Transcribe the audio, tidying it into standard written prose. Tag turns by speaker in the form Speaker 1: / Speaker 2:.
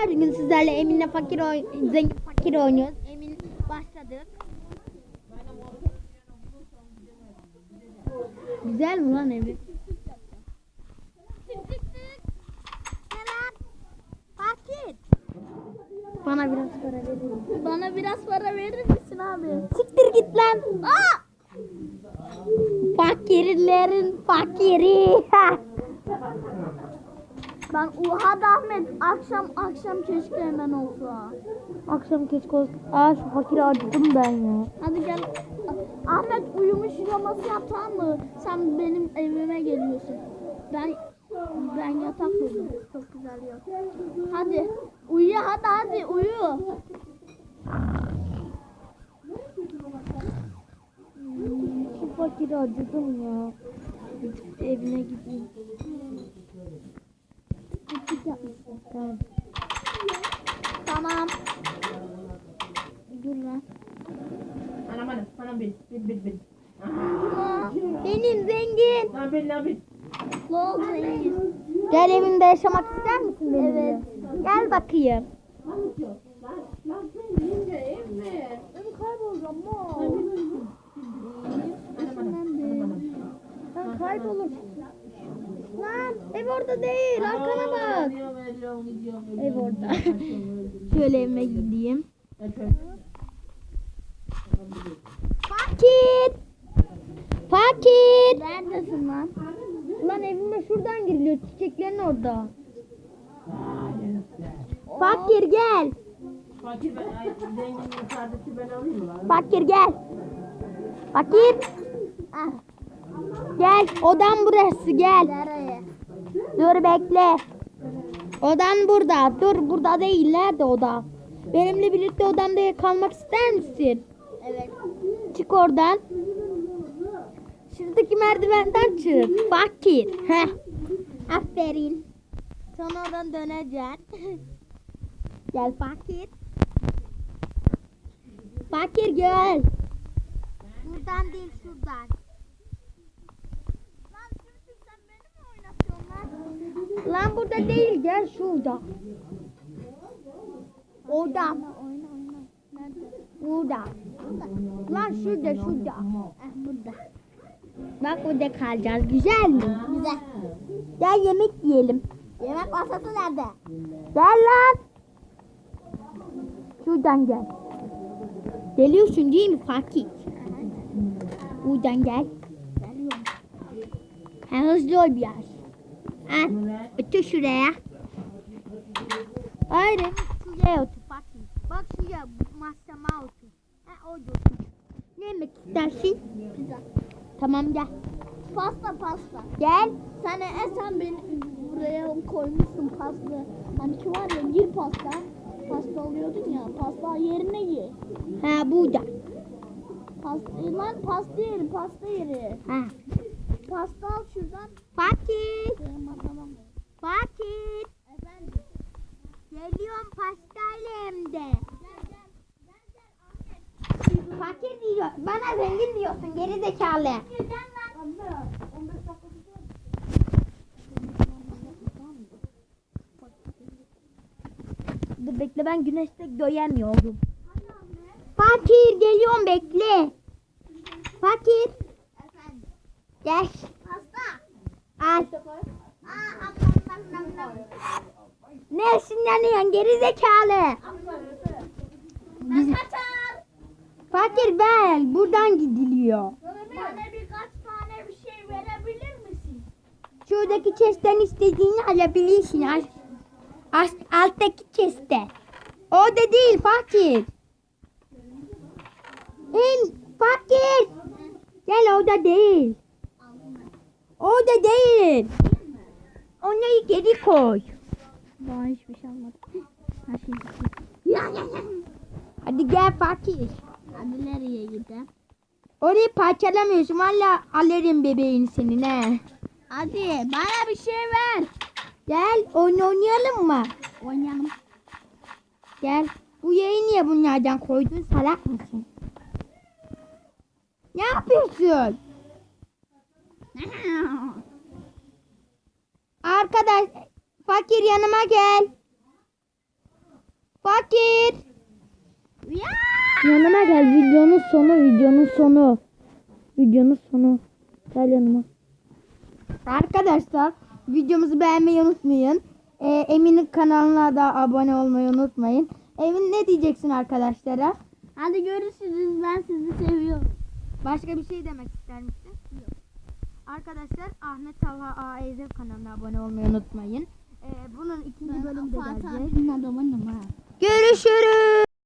Speaker 1: arkadaşlar, bugün sizlerle Emin'le zengin fakir oynuyoruz. Emin başladık. Güzel mi lan evi? Fakir. Bana biraz para verir misin?
Speaker 2: Bana biraz para verir misin abi?
Speaker 1: Siktir git lan. Aa! Fakirlerin fakiri.
Speaker 2: Ben hadi Ahmet akşam keşke hemen olsa.
Speaker 1: Akşam keşke olsun. Aa, şu fakiri acıdım ben ya.
Speaker 2: Hadi gel. Ahmet uyumuş yaması yap, tamam mı? Sen benim evime geliyorsun. Ben yatak kurdum. Çok güzel yatak. Hadi uyu, hadi uyu.
Speaker 1: Şu fakiri acıdım ya. Evine gideyim. Tamam.
Speaker 2: Tamam. Dur lan.
Speaker 3: Anam bil.
Speaker 1: Benim zengin.
Speaker 3: Lan bil.
Speaker 2: Lol zengin.
Speaker 1: Gel evimde yaşamak ister misin benimle?
Speaker 2: Evet.
Speaker 1: Gel bakayım.
Speaker 3: Lan sen yiyince ev mi?
Speaker 2: Ben kaybolacağım mı?
Speaker 1: Ben kaybolur. Lan ev orada değil. Arkana bak.
Speaker 3: Gidiyorum.
Speaker 1: Ev orada. Şöyle evime gideyim. Fakir.
Speaker 2: Neredesin lan?
Speaker 1: Lan evime şuradan giriliyor. Çiçeklerin orada. Fakir gel.
Speaker 3: Fakir zenginin kardeşi ben alayım mı lan?
Speaker 1: Fakir gel. Fakir.
Speaker 2: Ah,
Speaker 1: Gel. Odam burası, gel.
Speaker 2: nereye?
Speaker 1: Dur bekle. Odan burada. Dur burada değil. Nerede oda? Benimle birlikte odamda kalmak ister misin?
Speaker 2: Evet.
Speaker 1: Çık oradan. Şuradaki merdivenden çık. Fakir. Heh. Aferin. Sonra oradan döneceksin. Gel fakir. Fakir gel. Buradan değil, şuradan.
Speaker 2: Lan Sürtük, sen beni mi oynatıyorsun lan?
Speaker 1: Lan burada değil, gel şurada. Orada.
Speaker 2: Oyna. Nerede?
Speaker 1: Burada. Lan şurada.
Speaker 2: Burada.
Speaker 1: Bak burada kalacağız. Güzel mi?
Speaker 2: Güzel.
Speaker 1: Gel yemek yiyelim.
Speaker 2: Yemek masası nerede?
Speaker 1: Gel lan. Şuradan gel. Geliyorsun değil mi fakir? Buradan gel.
Speaker 2: Geliyorum.
Speaker 1: Ha, hızlı ol biraz. Al. Otur şuraya. Hayır. Şuraya otur fakir. Bak şuraya masama otur. Ha, orada otur. Ne yemek istersin?
Speaker 2: Pizza.
Speaker 1: Tamam gel.
Speaker 2: Pasta.
Speaker 1: Gel.
Speaker 2: Sen beni buraya koymuşsun pasta. Hani ki var ya, gir pasta. Pasta alıyordun ya. Pasta yerine gir.
Speaker 1: Ha burada.
Speaker 2: Lan pasta yeri.
Speaker 1: Ha.
Speaker 2: Pasta al şuradan.
Speaker 1: Fakir.
Speaker 2: Tamam.
Speaker 1: Fakir.
Speaker 2: Efendim.
Speaker 1: Geliyorum pastayla hem de.
Speaker 2: Gel Ahmet.
Speaker 1: Fakir diyor. Bana zengin diyorsun geri zekalı.
Speaker 2: Gel lan. 15 dakika
Speaker 1: Dur bekle, ben güneşte göremiyorum. Fakir geliyorum, bekle. Fakir.
Speaker 2: Efendim.
Speaker 1: Gel.
Speaker 2: Pasta.
Speaker 1: Al.
Speaker 2: Nam.
Speaker 1: Ne sinirleniyorsun geri zekalı.
Speaker 2: Ben kaçar.
Speaker 1: Fakir ver. Buradan gidiliyor.
Speaker 2: Bana birkaç tane bir şey verebilir misin?
Speaker 1: Şuradaki chest'ten istediğini alabilirsin. Alttaki chest'te. Orada değil fakir. Fakir. Gel, orada değil. Orada değil. Onları geri koy.
Speaker 2: Daha hiçbir şey almadım. Her şey
Speaker 1: Hadi gel fakir.
Speaker 2: Hadi nereye gidelim?
Speaker 1: Orayı parçalamıyorsun. Valla alırım bebeğin senin he.
Speaker 2: Hadi bana bir şey ver.
Speaker 1: Gel oyun oynayalım mı?
Speaker 2: Oynayalım.
Speaker 1: Gel. Bu yayı niye bunlardan koydun? Salak mısın? Ne yapıyorsun? Arkadaş fakir yanıma gel. Fakir.
Speaker 2: Ya!
Speaker 1: Yanıma gel. Videonun sonu. Gel yanıma. Arkadaşlar videomuzu beğenmeyi unutmayın. Emin'in kanalına da abone olmayı unutmayın. Emin ne diyeceksin arkadaşlara?
Speaker 2: Hadi görüşürüz. Ben sizi seviyorum.
Speaker 1: Başka bir şey demek ister misin? Yok. Arkadaşlar Ahmet Talha AEZ kanalına abone olmayı unutmayın. Bunun ikinci bölümü de
Speaker 2: Fatih
Speaker 1: gelecek.
Speaker 2: abinin adamıyım ha.
Speaker 1: Görüşürüz.